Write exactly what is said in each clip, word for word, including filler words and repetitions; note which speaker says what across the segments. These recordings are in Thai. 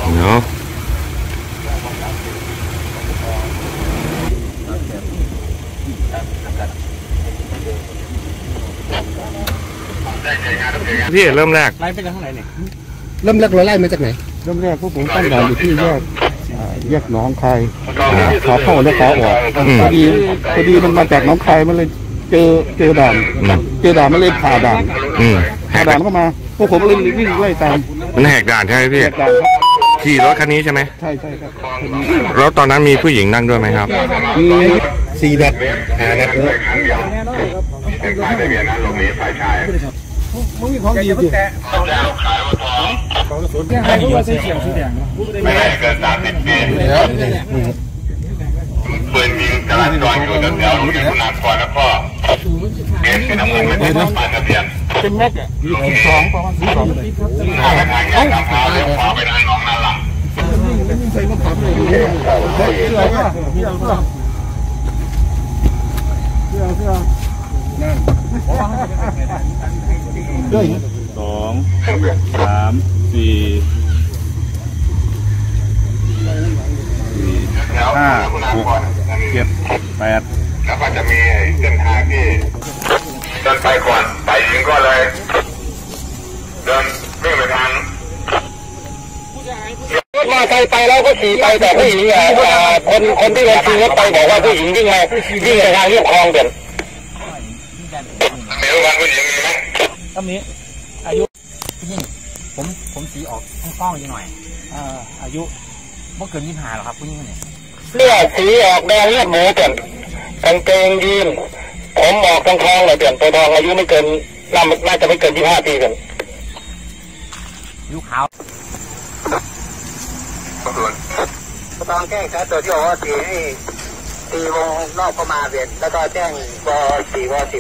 Speaker 1: เนาะพี่เริ่มแรก
Speaker 2: ไล่ไปจากข้างไหนเนี่ย
Speaker 3: เริ่มแรกเราไล่มาจากไหน
Speaker 2: เริ่มแรกพวกผมตั้งด่านอยู่ที่แยกแยกหนองคายขาเข้าและขาออกพอดีพอดีมันมาจากหนองคายมันเลยเจอเจอด่านเจอด่านมันเลยผ่าด่านผ่าด่านเข้ามาพวกผมเลยวิ่งไล่ตาม
Speaker 1: มันแหกด่านใช่ไหมพี่ขี่รถคันนี้ใช่ไหม
Speaker 2: ใช่ใช่ครับ
Speaker 1: แล้วตอนนั้นมีผู้หญิงนั่งด้วยไหมครับ
Speaker 3: มีสี่นัดห้านัด
Speaker 4: เป็นฝ่ายทะเบียนนั้นลงนี้ฝ่ายชาย
Speaker 2: มึงมีของดีสิ
Speaker 4: แล้วขายว่าทอง
Speaker 2: ของกระสุนแค่ให้รู้ว่าสีเขียวสีแดง
Speaker 4: ไม่ได้เกินสามสิบปีปืนยิงจราจรอยู่แถวๆที่คุณากรแล้วก็เกณฑ์เป็นน้ำเงินไม่ได้ฝ่ายทะเบียน
Speaker 2: เป็นแม็กอะยี่สิบสองประมาณยี่สิบสอง
Speaker 4: ทางทางแยกทางขวาเลี้ยวขวาไปทางหนองนาหลัง
Speaker 2: ใส่รถถังเลยเสื้อเสื้อเสื้อเสื้อเสื้อเสื้อนั่นด้วยสองสามสี่ห้าหกเจ็ดแปด
Speaker 4: แล้วก็จะมีเส้นทางที่เดินไปก่อนไปยิงก็เลยเดินวิ่งไปทาง
Speaker 3: มาใครไปแล้วก็ขี่ไปแต่ผู้หญิงอ่ะคนคนที่เราขี่รถไปบอกว่าผู้หญิงวิ่งมาวิ่งไปทางเรียบคลองเด่น
Speaker 4: มีวันผู้หญิงมีไหม
Speaker 2: ตอนนี้อายุยิ่งผมผมสีออกกล้องๆหน่อยอ่าอายุเมื่อเกินยี่สิบห้าหรอครับผู้หญิงเนี่ย
Speaker 3: เสื้อสีออกแดงเลือดหมูเด่นกางเกงยีนผมออกทองทองเลยเด่นตัวทองอายุไม่เกินน่าจะไม่เกินยี่สิบห้าปีกัน
Speaker 2: ยุขาว
Speaker 3: ตอนแจ้งครับตัวที่บอกว่าตีให้ตีวงนอกเข้ามาเด่นแล้วก็แจ้งวสี่วสิบ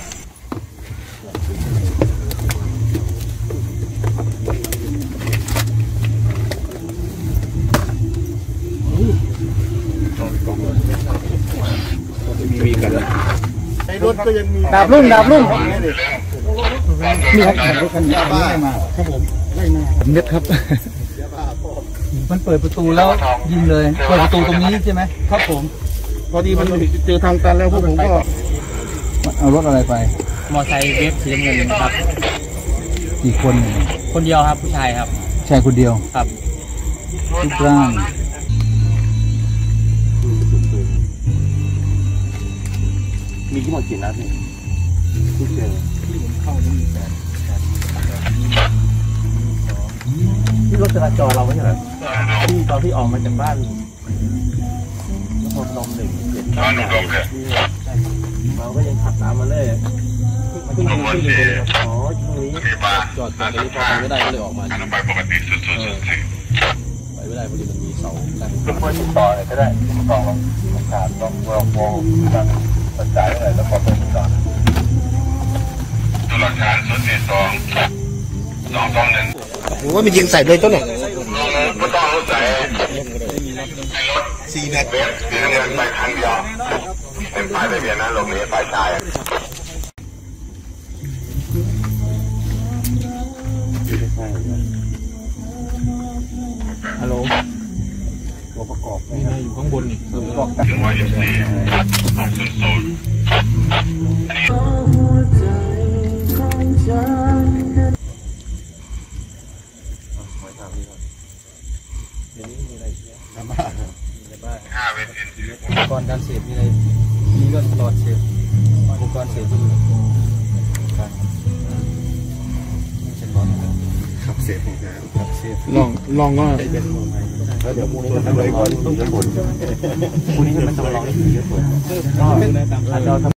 Speaker 2: มีกันแล้วในรถก็ยังมีดาบลุ่งดาบลุ่งนี่ครับรถคันนี้ไล่มาครับผมไล่มาเม็ดครับมันเปิดประตูแล้วยิงเลยเปิดประตูตรงนี้ใช่ไหมครับผมพอดีมันเจอทางตันแล้วพวกผมก็เอารถอะไรไปมอไซค์เวฟสีน้ำเงินครับกี่คนคนเดียวครับผู้ชายครับชายคนเดียวครับรูปร่างมีทั้งหมดกี่นัดเนี่ยที่เจอที่ผมเข้านี่มีแปดที่รถจราจรเราไม่ใช่เหรอที่ตอนที่ออกมาจากบ้านนครพนมหนึ่งเจ็ดเราก็ยังขับตามมาเลยมันก็ยังที่อยู่เลยอ๋อตรงนี้จอดจอดตรงนี้พอไปไม่ได้ก็เลยออกมา
Speaker 4: ไปปกติสุดๆ
Speaker 2: ไปไม่ได้พอดีมันมีเสากั้น
Speaker 4: ทุกคนติดต่อเลยก็ได้ต้องลองขาดต้องลองมองการกระจายอะไรแล้วก็ไปติดต่อตัวหลักฐานศูนย์สี่สองสองสองหนึ่ง
Speaker 3: ผมว่ามันยิงใส่เลยต้นหนึ่ง
Speaker 4: ไม่ต้องรู้ใส่รถสี่นัดเว็บสีน้ำเงินไปครั้งเดียวเป็นฝ่ายทะเบียนนั้นลงนี้ฝ่ายชาย
Speaker 2: ฮัลโหลตัวประกอบนี่นะอยู่ข้างบนนี่ตัวประกอบ
Speaker 4: ถึงว่ายี่สิบสี่ออกศูนย์ศูนย์ห้าเวที
Speaker 2: อุปกรณ์การเสพมีอะไรมีเรื่องตลอดเสพอุปกรณ์เสพที่อยู่การเช่นร้อน
Speaker 3: ขับเสพของแก
Speaker 2: ขับเสพลองลองก็แล้วเดี๋ยวพรุ่งนี้ก็ทำเลยก่อนต้องจะผลพรุ่งนี้มันจะมาลองให้เยอะกว่าก็อาจจะ